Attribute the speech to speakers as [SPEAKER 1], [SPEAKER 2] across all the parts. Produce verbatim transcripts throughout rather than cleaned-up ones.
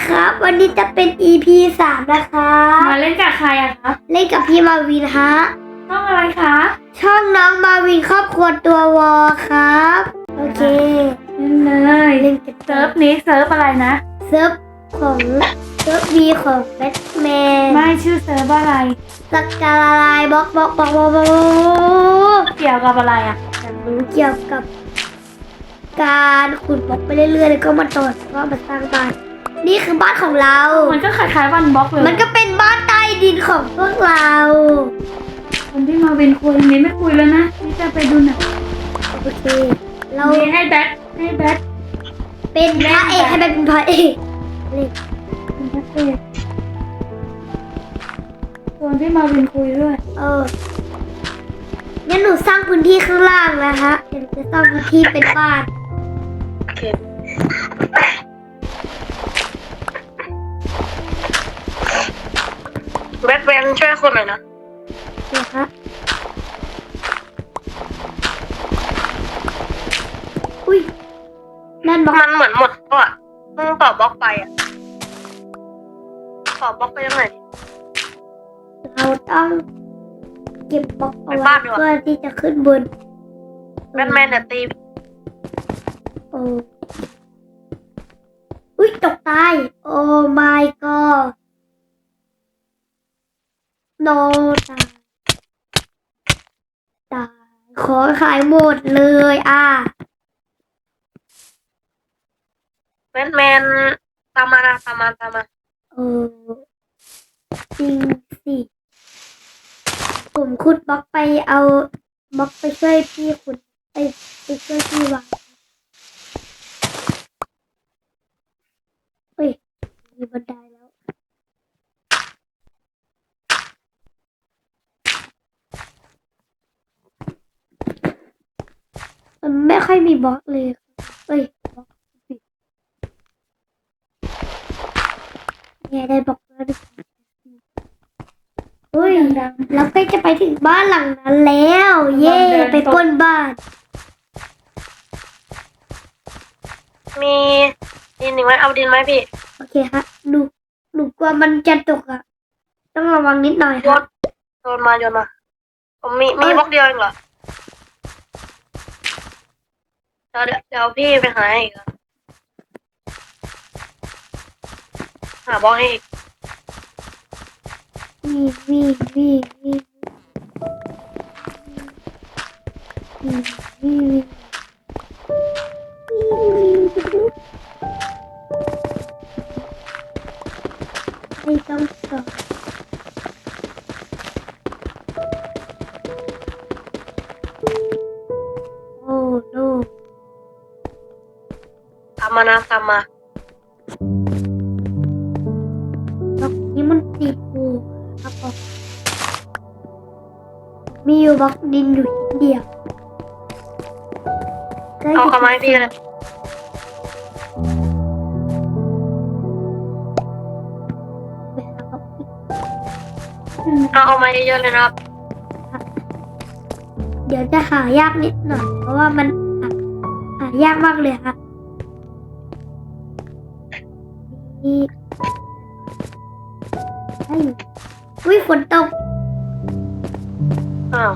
[SPEAKER 1] ครับวันนี้จะเป็น อี พี สามนะคะ
[SPEAKER 2] มาเล่นกับใครอะคะ
[SPEAKER 1] เล่นกับพี่มาวินฮะ
[SPEAKER 2] ช่องอะไรคะ
[SPEAKER 1] ช่องน้องมาวินครอบครัวตัววอครับโอเค
[SPEAKER 2] เล่นเลยเล่นกับเซิร์ฟนี้เซิร์ฟอะไรนะ
[SPEAKER 1] เซิร์ฟของเซิร์ฟวีของแบทแมน
[SPEAKER 2] ไม่ชื่อเซิร์ฟอะไร
[SPEAKER 1] สักการะลายบล็อกบล็อกบล็อกบล็อกบล็อก
[SPEAKER 2] เกี่ยวกับอะไรอะอยากรู้
[SPEAKER 1] เกี่ยวกับการขุดบล็อกไปเรื่อยๆแล้วก็มาต่อว่ามาสร้างบ้านนี่คือบ้านของเรา
[SPEAKER 2] มันก็คล้ายๆวันบล็อกเลย
[SPEAKER 1] มันก็เป็นบ้านใต้ดินของพวกเรา
[SPEAKER 2] คนที่มาเป็นคุยนี้ไม่คุยแล้วนะนี่จะไปดูหนัง
[SPEAKER 1] โอเคเรา
[SPEAKER 2] ให้แบทให้แบท
[SPEAKER 1] เป็นพระเอกให้แบทเป็นพระเอก
[SPEAKER 2] เลยเป็นพระเอกคนที่มาเป็นคุยด้วย
[SPEAKER 1] เอองั้นหนูสร้างพื้นที่ข้างล่างนะคะเดี๋ยวจะสร้างพื้นที่เป็นบ้าน
[SPEAKER 3] โอเคแบทแมนช่วยคนหน่อยนะ
[SPEAKER 1] เดี๋ยวครับอุ้ยนั่นบล็อก
[SPEAKER 3] มันเหมือนหมดแล้วอ่ะมึงต่อบล็อกไปอ่ะต่อบล็อกไปยังไง
[SPEAKER 1] เราต้องเก็บบล็อกเอาไว้เพื่อที่จะขึ้นบน
[SPEAKER 3] แบทแมนเนี่ยตี
[SPEAKER 1] โอ้อุ้ยตกตายโอ้ my god โนตายตายขอขายหมดเลยอ่ะ
[SPEAKER 3] แบทแมนตามมานะตามมาตามมา
[SPEAKER 1] เออจริงสิผมขุดบล็อกไปเอาบล็อกไปช่วยพี่ขุดไปไปช่วยพี่วางเฮ้ยมีบันไดแล้วมันไม่ค่อยมีบล็อกเลยเอ้ยบล็อกปิดเนี่ยได้บล็อกแล้วดิเฮ้ยเราใกล้จะไปถึงบ้านหลังนั้นแล้วเย่ไปปล้นบ้าน
[SPEAKER 3] มีดินอีกไหมเอาดินไหมพี่
[SPEAKER 1] โอเคฮะหนูหนูกลัวมันจะตกอ่ะต้องระวังนิดหน่อยครับ
[SPEAKER 3] โยนมาโยนมาผมมีมีบล็อกเดียวเองเหรอเดี๋ยวเดี๋ยวพี่ไปหาอีกหาบล็อกให้อีก
[SPEAKER 1] วีวีวีวีวีวีวีไม่ต้องสอนโอ้โน
[SPEAKER 3] ตามมานะตามมา
[SPEAKER 1] บล็อกนี้มันติดอยู่ครับผมมีอยู่บล็อกดินอยู่นิดเดียว
[SPEAKER 3] เอาเข้ามาให้พี่เลยเอาเอามาเยอะๆเลยนะครับ
[SPEAKER 1] เดี๋ยวจะหายากนิดหน่อยเพราะว่ามันหาหายากมากเลยค่ะนี่อุ้ยฝนตก
[SPEAKER 3] อ้าว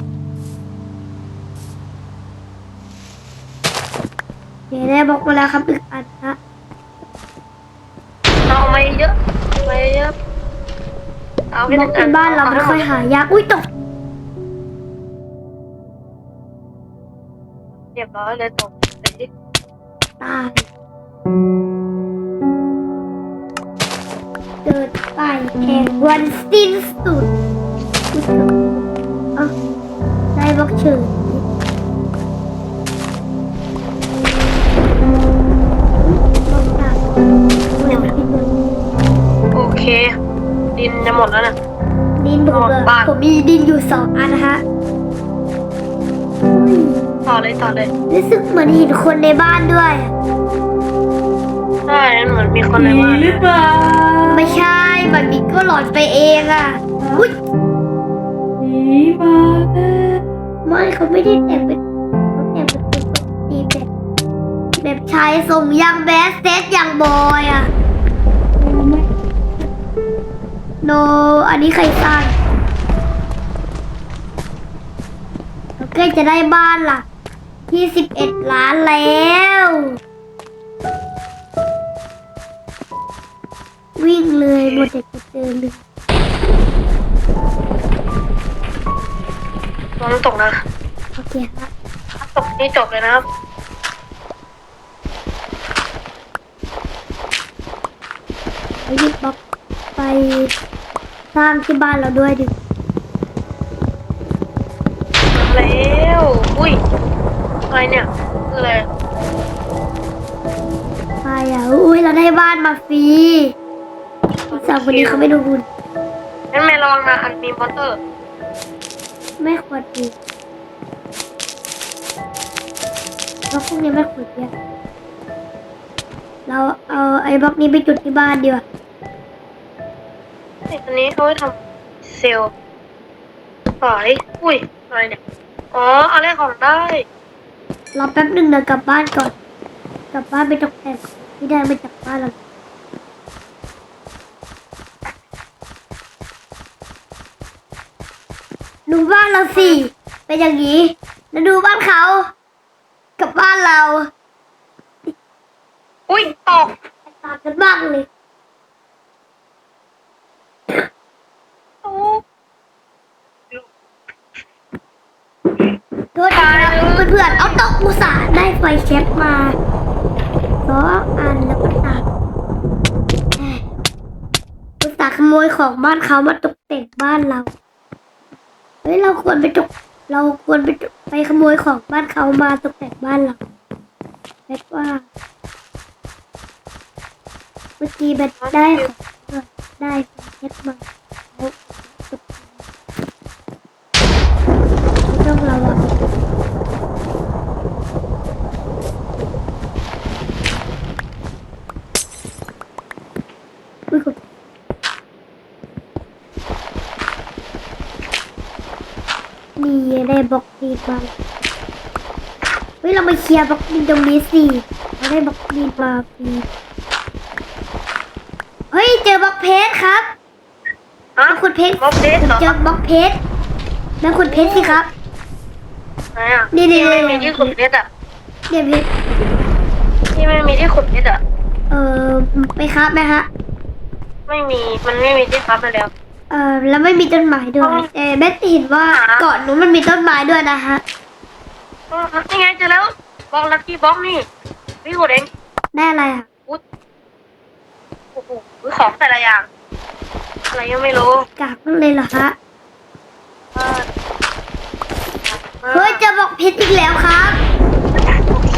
[SPEAKER 1] เดี๋ยวได้บอกมาแล้วครับอีกอันนะ
[SPEAKER 3] เอามาเยอะมาเยอะเอา
[SPEAKER 1] บอกเป็นบ้านเราไม่ค่อยหายากอุ้ยตก
[SPEAKER 3] เรียบร้อยเลยตกไปดิ
[SPEAKER 1] ตายเกิดไปแห่งวันสิ้นสุดอ่ะได้บล็อกเฉย
[SPEAKER 3] โอเคดินจะหมดแล้วนะ
[SPEAKER 1] ดินผมเลยผมมีดินอยู่สองอันนะฮะ
[SPEAKER 3] ต่อเลยต่อเลย
[SPEAKER 1] รู้สึกเหมือนเห็นคนในบ้านด้วย
[SPEAKER 3] ใช่เหมือนมีคนในบ้าน
[SPEAKER 2] หรือเปล่า
[SPEAKER 1] ไม่ใช่แบบนี้ก็หลอนไปเองอ่ะอุ้ย
[SPEAKER 2] ผีมา
[SPEAKER 1] ไม่เขาไม่ได้แต่งเป็นเขาแต่งเป็นคนปกติแบบแบบชายทรงยังแบสเซตยังบอยอ่ะอันนี้ใครสร้างเราใกล้จะได้บ้านล่ะที่สิบเอ็ดล้านแล้ว วิ่งเลยหมดแต่จะเดินเลย
[SPEAKER 3] ลองตกนะ
[SPEAKER 1] โอเคครับ
[SPEAKER 3] ถ้าตกนี่จบเลยนะครับ
[SPEAKER 1] ไปหยิบบล็อกไปสร้างที่บ้านเราด้วยดิ
[SPEAKER 3] แล้วอุ้ยอะไรเนี่ยคืออะไร
[SPEAKER 1] ไปอ่ะอุ้ยเราได้บ้านมาฟรีสาวคนนี้เขาไม่ดูบุญ
[SPEAKER 3] งั้นแม่ระวังนะอันมีมอนเตอร์
[SPEAKER 1] ไม่ควรดีบล็อกพวกนี้ไม่ควรเยอะเราเอาไอ้บล็อกนี้ไปจุดที่บ้านดีกว่า
[SPEAKER 3] อันนี้เขาไว้ทำเซลล์ขายอุ้ยอะไรเนี่ยอ๋ออะไรของได้
[SPEAKER 1] รอแป๊บหนึ่งเดี๋ยวกลับบ้านก่อน กลับบ้านไปตกแต่งที่ได้มาจากบ้านเราดูบ้านเราสิเป็นอย่างนี้แล้วดูบ้านเขา กับบ้านเรา
[SPEAKER 3] อุ้ยตก
[SPEAKER 1] ต่างกันมากเลย
[SPEAKER 3] โอ้
[SPEAKER 1] โทษนะครับเพื่อนๆเอาตกอุตส่าห์ได้ไฟแช็กมาสองอันแล้วก็ตัดแหม่อุตส่าห์ขโมยของบ้านเขามาตกแต่งบ้านเรา เฮ้ยเราควรไปตก เราควรไปตกไปขโมยของบ้านเขามาตกแต่งบ้านเราแบ็คว่า เมื่อกี้แบ็คได้ของมาได้ไฟแช็กมาแล้วตกแต่งไม่ต้องระวัง อุ้ยคุณนี่ได้บล็อกดีมาเฮ้ยเรามาเคลียร์บล็อกดินตรงนี้สิเราได้บล็อกดินมาฟรีเฮ้ยเจอบล็อกเพชรครับ
[SPEAKER 3] ฮะ
[SPEAKER 1] มาขุดเพชร
[SPEAKER 3] บล็อกเพชรเหรอ
[SPEAKER 1] เจอบล็อกเพชรมาขุดเพชรสิครับ
[SPEAKER 3] ไหนอ่ะ
[SPEAKER 1] นี่ๆๆ
[SPEAKER 3] ที่ไม่มีที่ขุดเพชรอ่ะ
[SPEAKER 1] เดี๋ยวเพชร
[SPEAKER 3] ที่ไม่มีที่ขุดเพชรอ่ะ
[SPEAKER 1] เออไปครับไหมฮะ
[SPEAKER 3] ไม่มีมันไม่มีที่พับไปแล้ว
[SPEAKER 1] เออแล้วไม่มีต้นไม้ด้วย
[SPEAKER 3] อ๋อ
[SPEAKER 1] แต่แม่เห็นว่า
[SPEAKER 3] หา
[SPEAKER 1] เกาะนู้นมันมีต้นไม้ด้วยนะฮะ
[SPEAKER 3] อ๋อนี่ไงเจอแล้วบล็อกลักกี้บล็อกนี่พี่ขุดเอง
[SPEAKER 1] ได้อะไรอ่ะ
[SPEAKER 3] อุ๊ยโอ้โหของแต่ละอย่าง อะไรยังไม่รู้
[SPEAKER 1] กากนั่นเลยเหรอฮะ
[SPEAKER 3] เออ
[SPEAKER 1] เฮ้ยเจะบอกเพชรอีกแล้วครับ
[SPEAKER 3] โอเค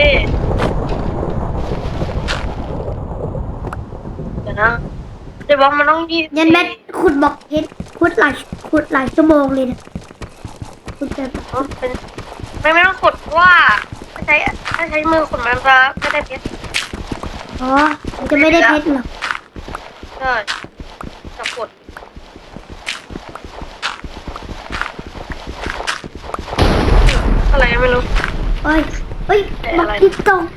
[SPEAKER 3] เดี๋ยวนะเดี๋ยวบล็อกมันต้องยี่สิบ
[SPEAKER 1] ยันแม่ขุดบอกเพชรขุดหลายขุดหลายชั่วโมงเลยนะขุดแบบ
[SPEAKER 3] อ๋อเป็นไม่ไม่ต้องขุดเพราะว่าถ้าใช้ถ้าใช้มือขุดมันจะไม่ได้เพชร
[SPEAKER 1] อ๋อมันจะไม่ได้เพชรหรอก
[SPEAKER 3] ใช่จะขุดอะไรยังไม่รู้
[SPEAKER 1] เอ้ยเอ้ย
[SPEAKER 3] แต่
[SPEAKER 1] บอ
[SPEAKER 3] อะ
[SPEAKER 1] ก
[SPEAKER 3] ไร
[SPEAKER 1] ที่ตรง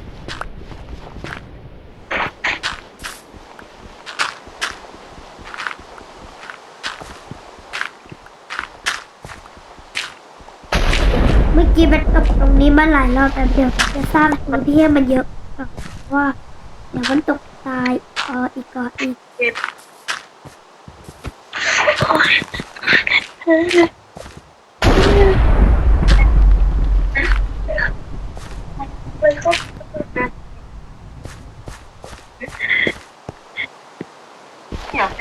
[SPEAKER 1] เมื่อกี้มันตกตรงนี้มาหลายรอบแต่เดี๋ยวจะสร้างพื้นที่ให้มันเยอะก่อนเพราะว่าเดี๋ยวมันตกตายเอออีกก่อนอีก
[SPEAKER 3] เก็บอยากได้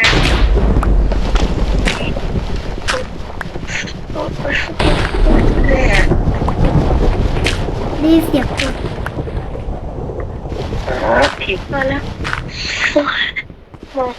[SPEAKER 1] นี่เสียงคน
[SPEAKER 3] ผิดมาแล้วโอ้ยมอง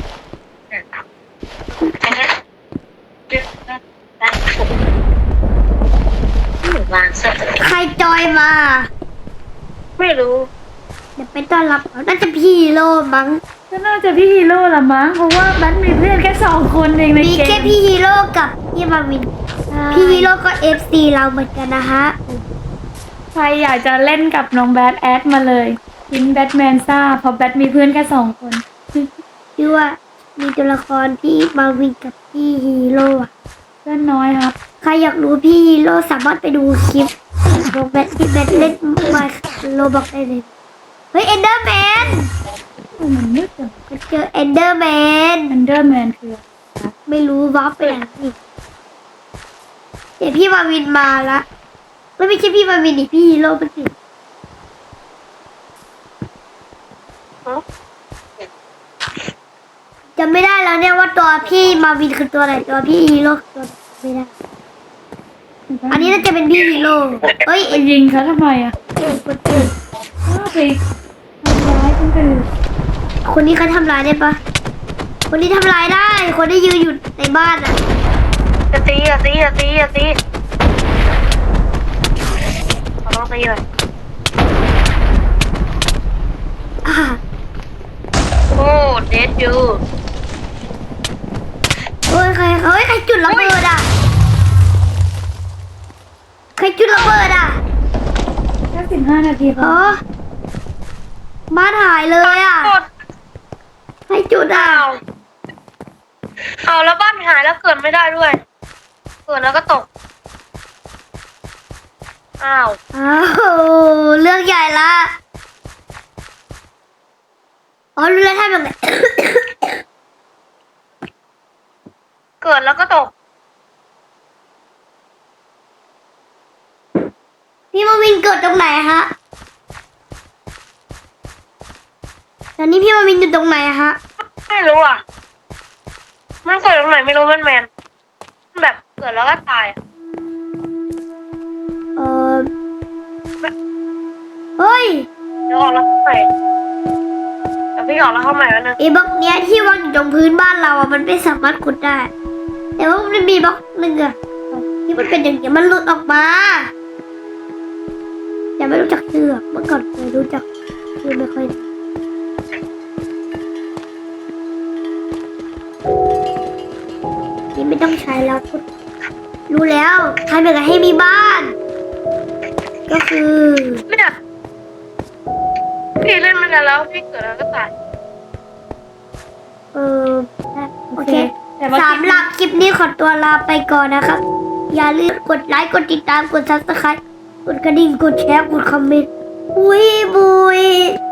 [SPEAKER 3] วางสัก
[SPEAKER 1] ใครจอยมา
[SPEAKER 3] ไม่รู้
[SPEAKER 1] เดี๋ยวไปต้อนรับเขาน่าจะพี่ฮีโร่มั้ง
[SPEAKER 2] ก็น่าจะพี่ฮีโร่ละมั้งเพราะว่าแบทมีเพื่อนแค่สองคนเองใน
[SPEAKER 1] มี
[SPEAKER 2] เก
[SPEAKER 1] แค่
[SPEAKER 2] ม
[SPEAKER 1] พี่ฮีโร่กับพี่มาวิน พี่ฮีโร่ก็เอฟซีเราเหมือนกันนะฮะ
[SPEAKER 2] ใครอยากจะเล่นกับน้องแบทแอดมาเลยทิ้งแบทแมนซ่าเพราะแบทมีเพื่อนแค่สองคน
[SPEAKER 1] ชื่อว่ามีตัวละครพี่มาวินกับพี่ฮีโร่อะ
[SPEAKER 2] เพื่อนน้อยครับ
[SPEAKER 1] ใครอยากรู้พี่ฮีโร่สามารถไปดูคลิปลงแบทที่แบทเล่นมาโลบอกได้เลยเฮ้ยเอนเดอร์แมน
[SPEAKER 2] โอ้มันมืดจัง
[SPEAKER 1] มันเจอเอนเดอร์แมน
[SPEAKER 2] อันเดอร์แมนคือ
[SPEAKER 1] ไม่รู้วาร์ปไปไหนนี่เดี๋ยวพี่มาวินมาละไม่ไม่ใช่พี่มาวินดิพี่ฮีโร่มันสิ
[SPEAKER 3] ฮะ
[SPEAKER 1] จำไม่ได้แล้วเนี่ยว่าตัวพี่มาวินคือตัวไหนตัวพี่ฮีโร่คือตัวไม่ได้ อันนี้น่าจะเป็นพี่ฮีโร่เอ้ย
[SPEAKER 2] ไปยิงเขาทำไมอ่ะอ้าวไปทำร้ายคนอื่น
[SPEAKER 1] คนนี้เขาทำร้ายได้ปะคนนี้ทำร้ายได้ คนที่ยืนอยู่ในบ้านอ่ะ
[SPEAKER 3] จะตีอะตีอะตีอะตีขอลองตีหน่อย
[SPEAKER 1] อ่า
[SPEAKER 3] โอ้เดดยู
[SPEAKER 1] โอ้ยใครเฮ้ยใครจุดระเบิดอ่ะใครจุดระเบิดอ่ะ
[SPEAKER 2] แค่สิบห้านาทีพ
[SPEAKER 1] เอ
[SPEAKER 2] อ
[SPEAKER 1] อบ้านหายเลยอ่ะ
[SPEAKER 3] กด
[SPEAKER 1] ใครจุดอ่ะ
[SPEAKER 3] อ้าวเอาแล้วบ้านหายแล้วเกิดไม่ได้ด้วย เกิดแล้วก็ตก อ้าว
[SPEAKER 1] อ้าวเรื่องใหญ่ละอ๋อรู้แล้วทำยังไง
[SPEAKER 3] เกิดแล้วก็ตก
[SPEAKER 1] พี่มาวินเกิดตรงไหนฮะตอนนี้พี่มาวินอยู่ตรงไหนฮะ
[SPEAKER 3] ไม่รู้อ่ะ มันเกิดตรงไหนไม่รู้มันแมนมันแบบเกิดแล้วก็ตายอะ
[SPEAKER 1] เออเฮ้ย
[SPEAKER 3] เดี๋ยวออกแล้วเข้าใหม่เดี๋ยวพี่ออกแล้วเข้าใหม่แล้วนึง
[SPEAKER 1] ไอ้บล็อกเนี้ยที่วางอยู่ตรงพื้นบ้านเราอ่ะมันไม่สามารถขุดได้ แต่ว่ามันมีบล็อกหนึ่งอ่ะที่มันเป็นอย่างเงี้ยมันหลุดออกมาแต่ไม่รู้จักชื่ออะเมื่อก่อนเคยรู้จักชื่อไม่ค่อยนี่ไม่ต้องใช้แล้วขุดรู้แล้วทำยังไงให้มีบ้าน ก็คือ
[SPEAKER 3] เนี่ยพี่เล่นมานานแล้วพี่เกิดแล้วก็ตาย
[SPEAKER 1] เออโอเค
[SPEAKER 2] แต่ว่า
[SPEAKER 1] สำหรับคลิปนี้ขอตัวลาไปก่อนนะครับ อย่าลืมกดไลค์ กดติดตาม กดซับสไครต์กดกระดิ่ง กดแชร์ กดคอมเมนต์ อุ้ยบุย